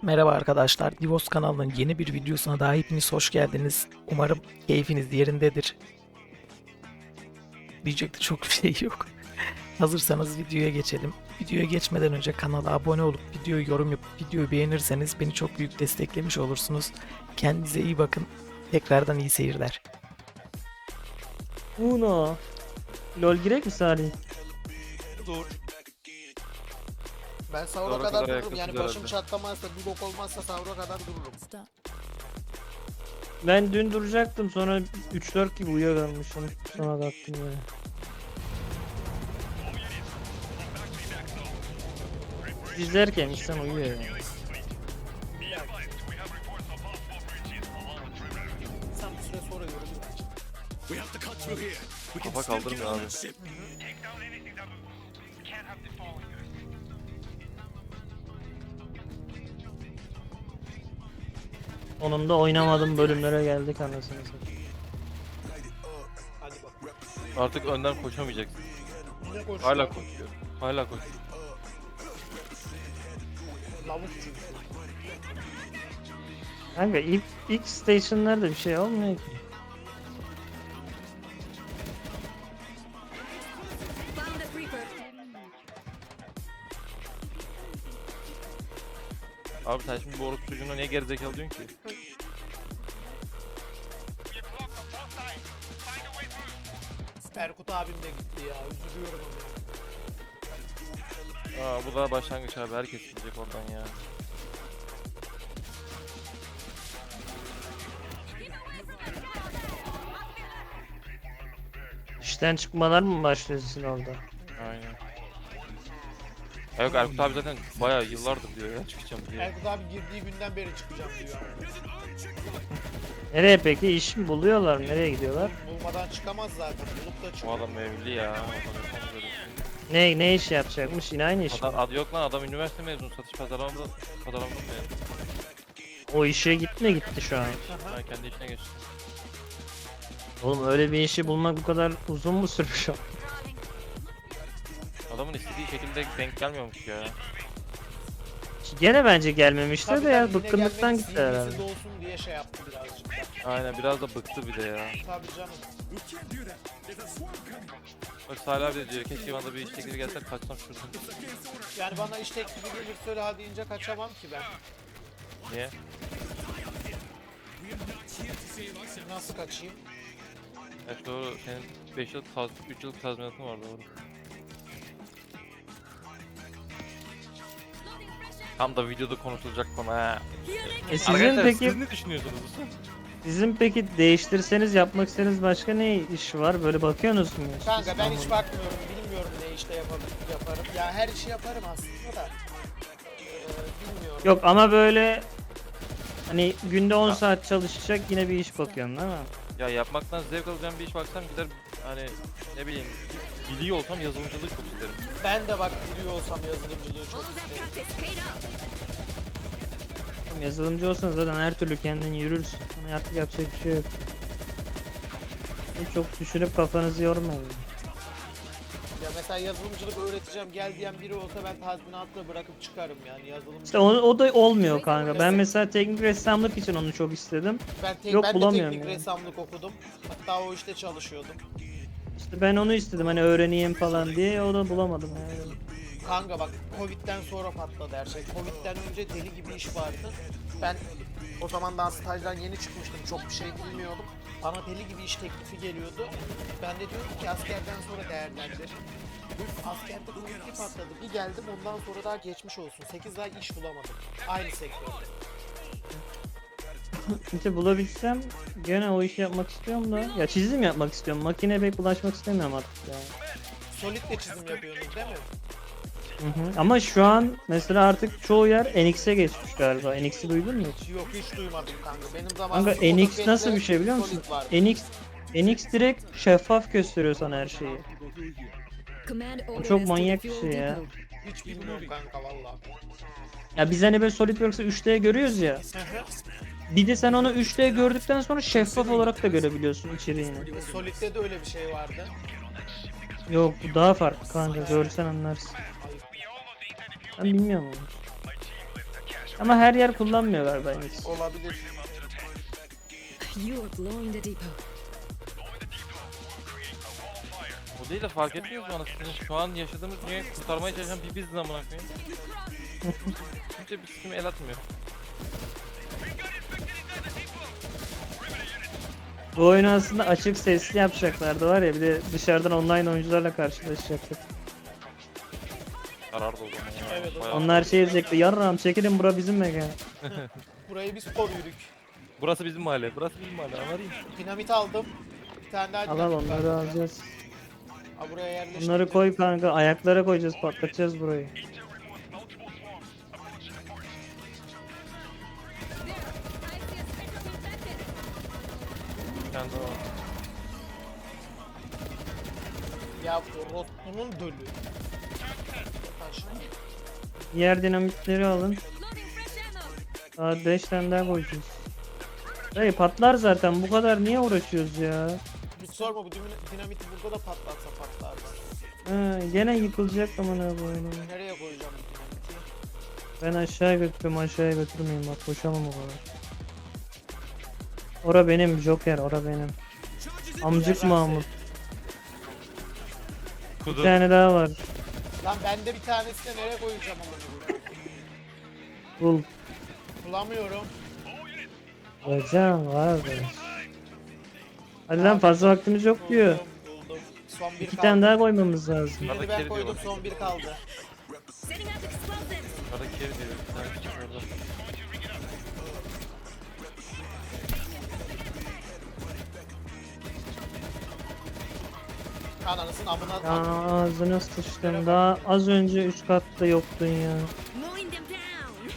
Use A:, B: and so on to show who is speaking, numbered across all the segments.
A: Merhaba arkadaşlar, Divos kanalının yeni bir videosuna daha hepiniz hoş geldiniz. Umarım keyfiniz yerindedir. Diyecek de çok bir şey yok. Hazırsanız videoya geçelim. Videoya geçmeden önce kanala abone olup videoyu yorum yapıp videoyu beğenirseniz beni çok büyük desteklemiş olursunuz. Kendinize iyi bakın. Tekrardan iyi seyirler.
B: Uno. LOL girek mi Salih?
C: Dur.
D: Ben sahura
C: Sahura
D: kadar
C: kadar
D: dururum. Yani
C: ayakta
D: başım
C: herhalde.
D: çatlamazsa, bir bok olmazsa sahura kadar dururum.
B: Ben dün duracaktım, sonra 3-4 gibi uyuyakalmışım. Sonra kalktım ya. İzlerken insan uyuyor yani.
D: Sen bir süre sonra yoruluyor.
C: Kafa kaldırmıyor abi.
B: Onun da oynamadığım bölümlere geldik anasını satayım.
D: Hadi bak.
C: Artık önden koşamayacaksın.
D: Ne koşuyor?
C: Hala koşuyor. Hala koşuyor.
D: Lavuk çünkü.
B: Kanka ilk station'larda bir şey olmuyor ki.
E: Found a creeper.
C: Abi sen şimdi bu orospu çocuğuna niye gerizekalı diyorsun ki?
D: Erkut abim de gitti ya. Üzülüyorum ona.
C: Aa bu da başlangıç abi. Herkes gidecek oradan ya.
B: İşten çıkmalar mı başlıyor sizin orada?
C: Aynen. Ya yok Erkut abi zaten bayağı yıllardır diyor ya çıkacağım diye.
D: Erkut abi girdiği günden beri çıkacağım diyor.
B: Nereye peki? İş mi buluyorlar? Nereye gidiyorlar?
D: Bulmadan çıkamaz zaten. Bulup da
C: Bu
D: çıkıyor.
C: adam evli ya. Adam yapamaz öyle bir şey.
B: Ne iş yapacakmış? Yine aynı iş mi?
C: Adam, yok lan adam üniversite mezunu. Satış pazarlamada mezun.
B: O işe gitti şu an.
C: Ben kendi işine geçtim.
B: Oğlum öyle bir işi bulmak bu kadar uzun mu sürmüş o?
C: Adamın istediği şekilde denk gelmiyormuş ya.
B: Gene bence gelmemişti
D: Tabii
B: de ya,
D: tabii, yine
B: bıkkınlıktan
D: gelmek
B: gitti herhalde.
D: CV'si olsun diye şey yaptı birazcık.
C: Aynen biraz da bıktı bir de ya.
D: Tabii canım.
C: Bak Salih abi de diyor keşke bana da bir iş teklifi gelse kaçsam şuradan.
D: Yani bana iş teklifi gelirse öyle hadi ince kaçamam ki ben.
C: Niye?
D: Nasıl kaçayım?
C: Evet doğru senin 5 yıllık 3 yıllık tazminatın var doğru. Tam da videoda konuşulacak konu ha.
B: Sizin
C: Arkadaşlar
B: peki
C: siz ne düşünüyorsunuz?
B: değiştirseniz yapmak istediğiniz başka ne iş var? Böyle bakıyorsunuz mu?
D: Kanka ben hiç bakmıyorum, bilmiyorum ne işte yaparım. Ya her işi yaparım aslında da. Bilmiyorum.
B: Yok ama böyle hani günde 10 saat çalışacak yine bir iş bakıyorsun değil mi?
C: Ya yapmaktan zevk alacağım bir iş baksam gider hani ne bileyim biliyor olsam yazılımcılık çok isterim.
D: Ben de bak biliyor olsam yazılımcılığı çok
E: All that
D: isterim.
E: practice paid off.
B: Yazılımcı olsan zaten her türlü kendin yürürsün. Ama artık yapacak bir şey yok. Çok düşünüp kafanızı yormayın.
D: Ya mesela yazılımcılık öğreteceğim gel diyen biri olsa ben tazminatla bırakıp çıkarım yani yazılımcılık.
B: İşte o da olmuyor kanka. Ben mesela teknik ressamlık için onu çok istedim.
D: Ben
B: de
D: de
B: bulamıyorum
D: teknik
B: yani.
D: ressamlık okudum. Hatta o işte çalışıyordum.
B: İşte ben onu istedim hani öğreneyim falan diye, o da bulamadım yani.
D: Kanka bak Covid'den sonra patladı her şey. Covid'den önce deli gibi iş vardı. Ben o zaman daha stajdan yeni çıkmıştım. Çok bir şey bilmiyordum. Bana deli gibi iş teklifi geliyordu. Ben de diyordum ki askerden sonra değerlendir. Askerde Covid'i patladı. Bir geldim ondan sonra daha geçmiş olsun. 8 ay iş bulamadım. Aynı sektörde.
B: İşte bulabilsem gene o işi yapmak istiyorum da. Ya çizim yapmak istiyorum. Makineye pek bulaşmak istemiyorum artık yani.
D: Solid'le çizim yapıyordunuz değil mi?
B: Hı hı. Ama şu an mesela artık çoğu yer NX'e geçmiş galiba. NX'i duydun mu hiç?
D: Yok hiç duymadım kanka. Benim zamanımda
B: Kanka NX nasıl bir şey biliyor musun?
D: Solid vardı.
B: NX direkt şeffaf gösteriyor sana her şeyi.
E: Command ordered
B: çok
E: us to
B: manyak
E: the
B: bir
E: fuel
B: şey ya.
E: depot.
D: Hiç bilmiyorum kanka valla.
B: Ya biz hani böyle SolidWorks'ı 3D görüyoruz ya. Bir de sen onu 3D gördükten sonra şeffaf olarak da görebiliyorsun içeriğini.
D: Solid'de de öyle bir şey vardı.
B: Yok bu daha farklı kanka, görsen anlarsın. Ben bilmiyorum onu. Ama her yer kullanmıyor galiba henüz.
D: Olabilir.
E: You are blowing the depot.
C: O değil de fark etmiyoruz mu anasını? Şu an yaşadığımız dünyayı kurtarmaya çalışan bir biziz amına koyayım. Kimse bir sikime el atmıyor.
B: Bu oyunu aslında açık sesli yapacaklardı var ya, bir de dışarıdan online oyuncularla karşılaşacaktık.
C: Karar da o zaman ya.
D: Evet, o
C: Bayağı-
B: Onlar şey diyecekti, yarram çekilin, bura bizim mekan.
D: Burayı biz koruyorduk.
C: Burası bizim mahalle. Burası bizim mahalle. Anladın mı?
D: Dinamit aldım. Bir tane daha
B: Al al,
D: dinamit
B: onları
D: var.
B: alacağız.
D: Ha, buraya yerleştirdim.
B: Bunları koy kanka, ayaklara koyacağız, patlatacağız burayı.
C: Bir tane daha var.
D: Ya Rotlu'nun dölü. Taş.
B: Diğer dinamitleri alın. Daha 5 tane daha koyacağız. Dayı patlar zaten, bu kadar niye uğraşıyoruz ya?
D: Hiç sorma, bu dinamiti burada da patlatsa patlar.
B: Gene yıkılacak amına koyayım.
D: Nereye koyacağım bu dinamiti?
B: Ben aşağıya götürüyorum, aşağıya götürmeyeyim, bak koşamam o kadar. Ora benim Joker, ora benim. Amcık Mahmut. Bir
C: Kudu.
B: tane daha var.
D: Lan ben de bir tanesini nereye koyacağım ama
B: Bul.
D: bulamıyorum.
B: Hocam var be. Hadi lan, fazla vaktimiz yok diyor.
D: Buldum. Son bir
B: İki
D: kaldı.
B: tane daha koymamız lazım.
D: Birini
C: Arada
D: ben
C: kedi
D: koydum,
C: diyorlar.
D: son bir kaldı.
E: Setting up explosives.
C: Arada kere diyor. Bir tane küçük orada.
D: Ananısın amına
B: Ya ağzına sıçtım. Daha az önce 3 katta yoktun ya.
E: Mowing them down.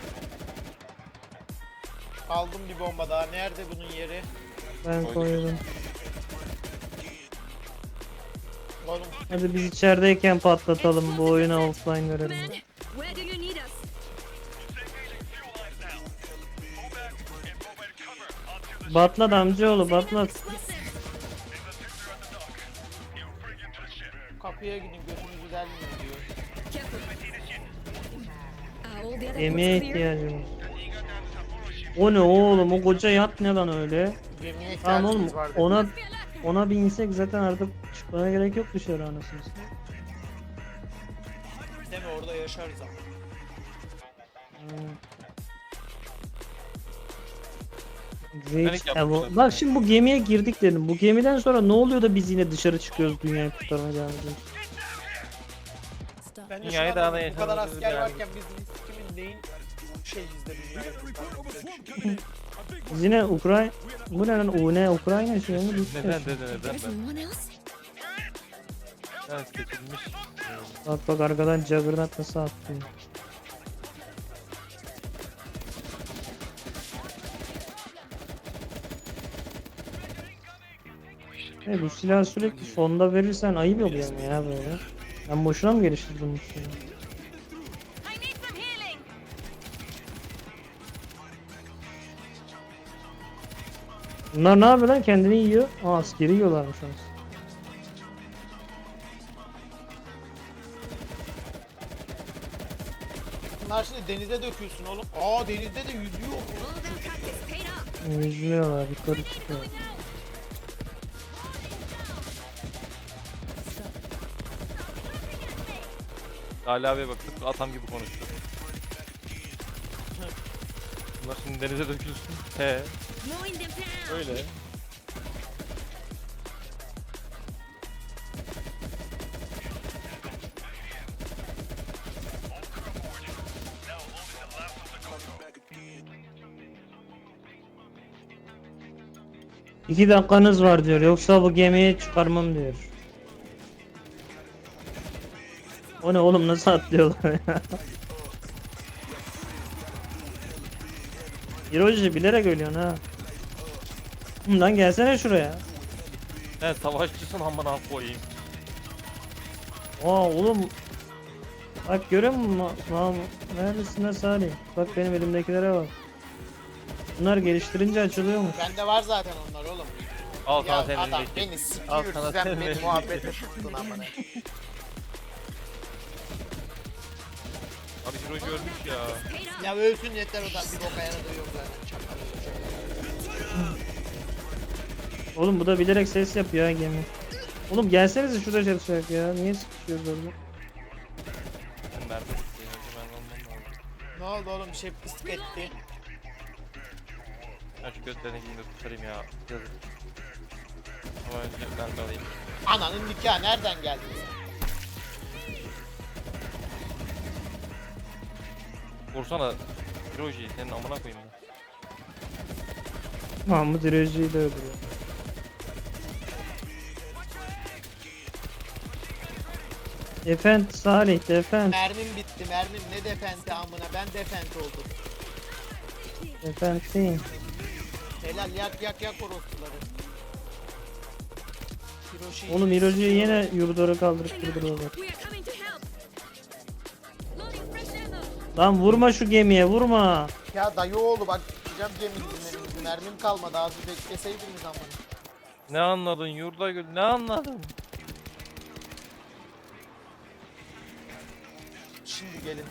D: aldım bir bomba daha. Nerede bunun yeri?
B: Ben koydum.
D: Oğlum
B: Hadi biz içerideyken patlatalım bu oyuna, offline verelim.
E: Command, where do you need us?
B: Batlat amcaoğlu, batlat.
E: Explosives.
D: kapıya gidin, gözünüzü delmiyor diyor.
E: Careful. Are all the other
B: Yemeğe
E: ports clear?
B: ihtiyacım var. O ne oğlum, o koca yat ne lan öyle?
D: Gemiye
B: Tamam oğlum,
D: ihtiyacımız var dedi.
B: ona bir insek zaten artık çıkmaya gerek yok dışarı anasını satayım.
D: Değil mi, orada yaşarız ama.
B: Reach
C: yapmışlar.
B: Evo. Bak şimdi bu gemiye girdik dedim. Bu gemiden sonra ne oluyor da biz yine dışarı çıkıyoruz, dünyayı kurtarmaya devam ediyoruz?
E: Stop.
D: Ben de
C: Dünyayı
D: şu
C: daha
D: an
C: da
D: bu kadar
C: yaşamamız
D: asker
C: yani.
D: varken biz kimin neyin şeyiz de dünyayı.
B: Biz yine Ukrayna... Bu ne lan? Ukrayna şey mi? Rusya
C: Neden
B: şey.
C: neden neden
E: There's
C: ben?
E: no one else?
C: Ben seçilmiş.
B: Bak bak arkadan Juggernaut nasıl attı. Bu silahı sürekli sonda verirsen ayıp oluyor ama ya böyle. Ben boşuna mı geliştirdim bu silahı?
E: I need some healing.
B: Bunlar ne yapıyor lan? Kendini yiyor. Aa, askeri yiyorlarmış aslında.
D: Bunlar şimdi denize dökülsün oğlum. Aa, denizde de yüzüyor.
E: All that practice paid off.
B: Yüzüyorlar, yukarı çıkıyor.
C: Ali abiye bak tıpkı atam gibi konuştu. Bunlar şimdi denize dökülsün. He
E: Mowing them down.
C: öyle.
B: İki dakikanız var diyor. Yoksa bu gemiyi çıkarmam diyor. O ne oğlum, nasıl atlıyorlar ya? Hiroji bilerek ölüyorsun ha. Lan gelsene şuraya.
C: Sen savaşçısın amına koyayım.
B: Aa oğlum. Bak görüyor musun? Neredesin lan Salih? Bak benim elimdekilere bak. Bunlar geliştirince açılıyormuş.
D: Bende var zaten onlar oğlum.
C: Al
D: Ya
C: sana senin
D: adam
C: elindeki.
D: beni
C: Al
D: sikiyor,
C: sana
D: sen
C: senin
D: beni
C: elindeki.
D: muhabbete tuttun amına.
C: Abi Hiroji ölmüş ya.
D: Ya ölsün yeter, o da bir boka yaradığı yok zaten. Çakal olacak.
B: Oğlum bu da bilerek ses yapıyor ha gemi. Oğlum gelsenize şurada çalışacak ya. Niye sıkışıyoruz orada?
C: Ben nerede bitti? Ben ondan aldım.
D: Ne oldu oğlum, bir şey pislik etti.
C: Ben şu götlerini gideyim de kurtarayım ya. Yazık. Ama önce ben de alayım.
D: Ananın nikahı nereden geldi?
C: Vursana Hiroji, senin amına koyayım ben.
B: Mahmut İreci'yi de öldürüyor. Defend Salih defend.
D: Mermim bitti, mermim ne defenti amına, ben defent oldum.
B: Defend değil.
D: Helal, yak orospuları. Hiroshi.
B: Oğlum Hiroji'yi yine yurduları kaldırıp durduruyorlar.
E: We are coming to help. Loading fresh ammo.
B: Lan vurma şu gemiye vurma.
D: Ya dayı oğlu bak, gideceğim geminin, mermim kalmadı, az bir bekleseydiniz amına.
C: Ne anladın yurda gül, ne anladın?
D: Şimdi gelin.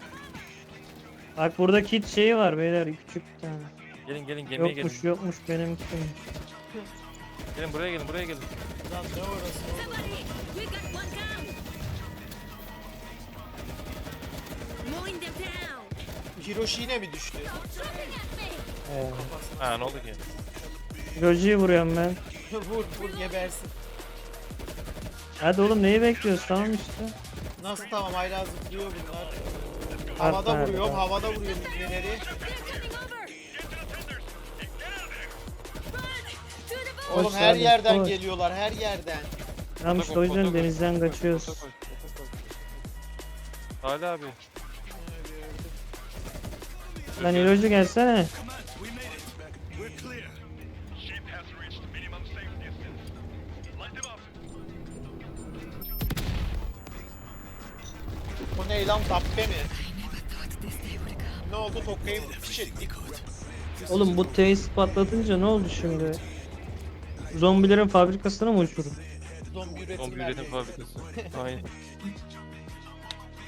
B: Bak burada kit şeyi var beyler küçük bir tane.
C: Gelin gemiye
B: Yokmuş
C: gelin.
B: yokmuş benimki.
C: Gelin buraya gelin.
D: Lan ne orası oğlum?
E: Somebody, we got one down. Mowing them down.
D: Hiroshi yine mi düştü?
E: Shooting at me.
C: Ha ne oldu ki?
B: Hiroji'yi vuruyorum ben.
D: vur gebersin.
B: Hadi oğlum neyi bekliyoruz tamam işte.
D: Nasıl tamam, hala zıplıyor bunlar.
B: Bak
D: Havada
B: nerede,
D: vuruyorum,
B: bak.
D: havada vuruyorum ibneleri.
E: They're coming over. Run to the boat.
D: Oğlum
B: Koş
D: her
B: abi,
D: yerden
B: koş.
D: geliyorlar, her yerden.
B: Tamam işte o yüzden denizden kaçıyoruz.
C: Salih abi.
B: Lan Hiroji gelsene.
F: We made it. We're clear. Ship has reached minimum safe distance. Light them up.
D: O ne lan, tappe mi?
E: I never thought this day would come.
D: Ne oldu, Tokka'yı piş ettik.
B: Oğlum bu tesis patlatınca ne oldu şimdi? Zombilerin fabrikasına mı uçurun?
D: Zombi üretim
C: Zombi üretim
D: merkezi.
C: fabrikası. Aynen.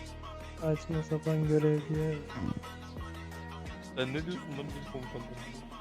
B: Saçma sapan görev diye.
C: Sen ne diyorsun lan bizim komutanlarımıza?